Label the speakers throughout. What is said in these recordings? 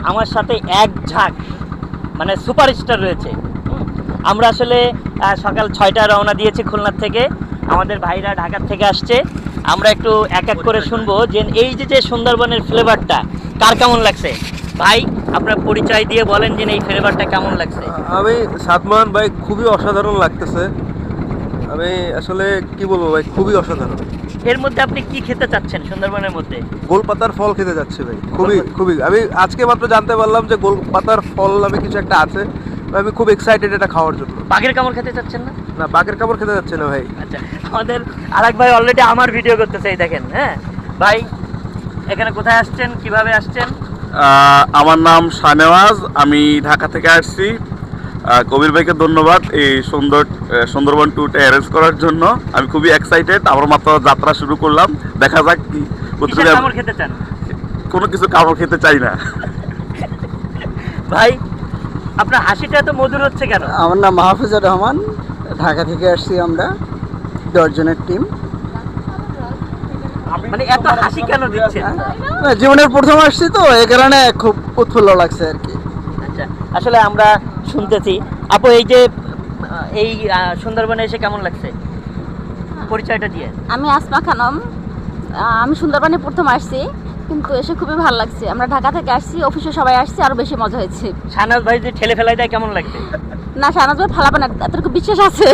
Speaker 1: আমার সাথে এক ঝাঁক মানে সুপারস্টার রয়েছে। আমরা আসলে সকাল 6টায় রওনা দিয়েছি খুলনার থেকে, আমাদের ভাইরা ঢাকার থেকে আসছে। আমরা একটু এক এক করে শুনবো যে এই যে সুন্দরবনের ফ্লেভারটা কার কেমন লাগছে। ভাই আপনার পরিচয় দিয়ে বলেন যে এই ফ্লেভারটা কেমন লাগছে।
Speaker 2: আমি সাদমান ভাই, খুবই অসাধারণ লাগতেছে। আমি আসলে কি বলবো ভাই, খুবই অসাধারণ।
Speaker 1: এর মধ্যে আপনি কি খেতে চাচ্ছেন সুন্দরবনের মধ্যে?
Speaker 2: গোলপাতার ফল খেতে যাচ্ছি ভাই, খুবই আমি আজকে মাত্র জানতে পারলাম যে গোলপাতার ফল নামে কিছু একটা আছে। আমি খুব এক্সাইটেড এটা খাওয়ার জন্য।
Speaker 1: বাঘের কামড় খেতে চাচ্ছেন না?
Speaker 2: না, বাঘের কামড় খেতে যাচ্ছে না ভাই।
Speaker 1: আচ্ছা, আমাদের আরেক ভাই অলরেডি আমার ভিডিও করতেছে, এই দেখেন। হ্যাঁ ভাই, এখানে কোথায় আসছেন, কিভাবে আসছেন?
Speaker 3: আমার নাম শাহনেওয়াজ, আমি ঢাকা থেকে আসছি। কবির ভাইকে ধন্যবাদ এই সুন্দরবন ট্যুরটা অ্যারেঞ্জ করার জন্য। আমি খুবই এক্সাইটেড, আমার মাত্র যাত্রা শুরু করলাম, দেখা যাক কি।
Speaker 1: কিসের কামড় খেতে চান?
Speaker 3: কোনো কিছু কামড় খেতে চাই না।
Speaker 1: ভাই আপনার হাসিটা এত মধুর হচ্ছে কেন?
Speaker 4: আমার নাম মাহফুজুর রহমান, ঢাকা থেকে আসছি আমরা 10 জনের টিম।
Speaker 1: মানে এত হাসি কেন দিচ্ছেন?
Speaker 4: জীবনের প্রথম আসছি তো, এই কারণে খুব উৎফুল্ল লাগছে আর কি।
Speaker 1: আচ্ছা, আসলে আমরা শুনতেছি। আপু, এই যে এই সুন্দরবনে এসে কেমন লাগছে, পরিচয়টা দিয়ে।
Speaker 5: আমি আসমা খানম, আমি সুন্দরবনে প্রথম আসছি, কিন্তু এসে খুবই ভালো লাগছে। আমরা ঢাকা থেকে আসছি, অফিসে সবাই আসছি, আরো বেশি মজা হয়েছে।
Speaker 1: শাহনাজ ভাই যে ঠেলে ফেলাই দেয় কেমন লাগছে?
Speaker 5: না, শাহনাজ ভাই ফালাবে না, এতটুকু বিশ্বাস আছে।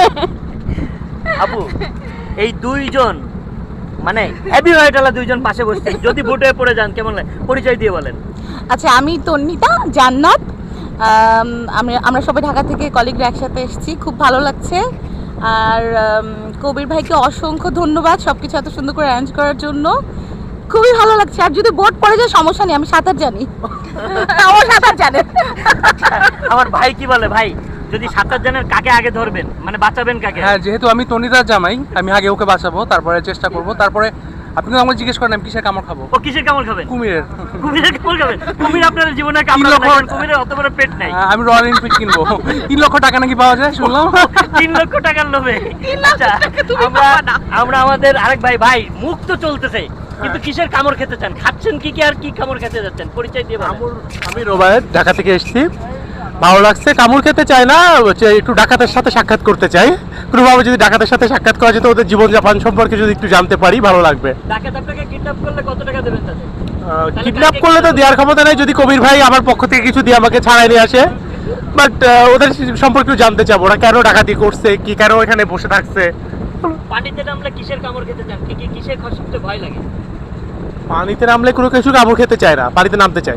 Speaker 1: আপু, এই দুইজন মানে হেভি ওয়েটালা দুইজন পাশে বসছে, যদি বুটে পড়ে যান কেমন লাগে, পরিচয় দিয়ে বলেন।
Speaker 6: আচ্ছা, আমি তন্নিতা জান্নাত। আমরা সবাই ঢাকা থেকে কলিগরা একসাথে এসেছি, খুব ভালো লাগছে। আর কবির ভাইকে অসংখ্য ধন্যবাদ সব কিছু এত সুন্দর করে অ্যারেঞ্জ করার জন্য, খুবই ভালো লাগছে। আর যদি বোট পড়ে যায় সমস্যা নেই, আমি সাঁতার জানি। আমার সাঁতার জানে।
Speaker 1: আমার ভাই কি বলে, ভাই যদি সাঁতার জানেন কাকে আগে ধরবেন, মানে বাঁচাবেন কাকে?
Speaker 7: হ্যাঁ, যেহেতু আমি তনিদার জামাই, আমি আগে ওকে বাঁচাবো, তারপরে চেষ্টা করব। তারপরে আপনি তো আমাকে জিজ্ঞেস করেন আমি কিসের কামড় খাবো।
Speaker 1: ও কিসের কামড় খাবেন?
Speaker 7: কুমিরের।
Speaker 1: কুমিরের কামড় খাবেন? কুমির আপনার জীবনে কামড় না, কারণ কুমিরের অত বড় পেট নাই।
Speaker 7: আমি রয়্যাল এনফিল্ড কিনবো। 3 লক্ষ টাকা নাকি পাওয়া যায় শুনলাম।
Speaker 1: 3 লক্ষ টাকার লোভে? আচ্ছা, আমরা আমাদের আরেক ভাই মুখ তো চলতেছে, কিন্তু কিসের কামড় খেতে চান, খাচ্ছেন কি আর কি কামড় খেতে যাচ্ছেন, পরিচয় দিয়ে বলেন।
Speaker 7: আমি রোবায়েত, ঢাকা থেকে এসেছি। ভালো লাগছে, কামড় খেতে চাই না, একটু ডাকাতের সাথে সাক্ষাৎ করতে চাই। কোনোভাবে যদি ডাকাতের সাথে সাক্ষাৎ করা যেত, ওদের জীবনযাপন সম্পর্কে যদি একটু জানতে পারি, ভালো লাগবে।
Speaker 1: ডাকাত আপনাকে কিডন্যাপ করলে কত টাকা দেবেন তাদের?
Speaker 7: কিডন্যাপ করলে তো দেওয়ার ক্ষমতা নেই, যদি কবির ভাই আমার পক্ষ থেকে কিছু দিয়ে আমাকে ছাড়াই নিয়ে আসে। বাট ওদের সম্পর্কে জানতে চাবো, ওরা কেন ডাকাতি করছে, কি কেন এখানে বসে থাকছে।
Speaker 1: পানিতে নামলে কিসের কামড় খেতে চান, কিসের সবচেয়ে ভয় লাগে?
Speaker 7: পানিতে নামলে কোনো কিছু কামড় খেতে চায় না, পানিতে নামতে চায়।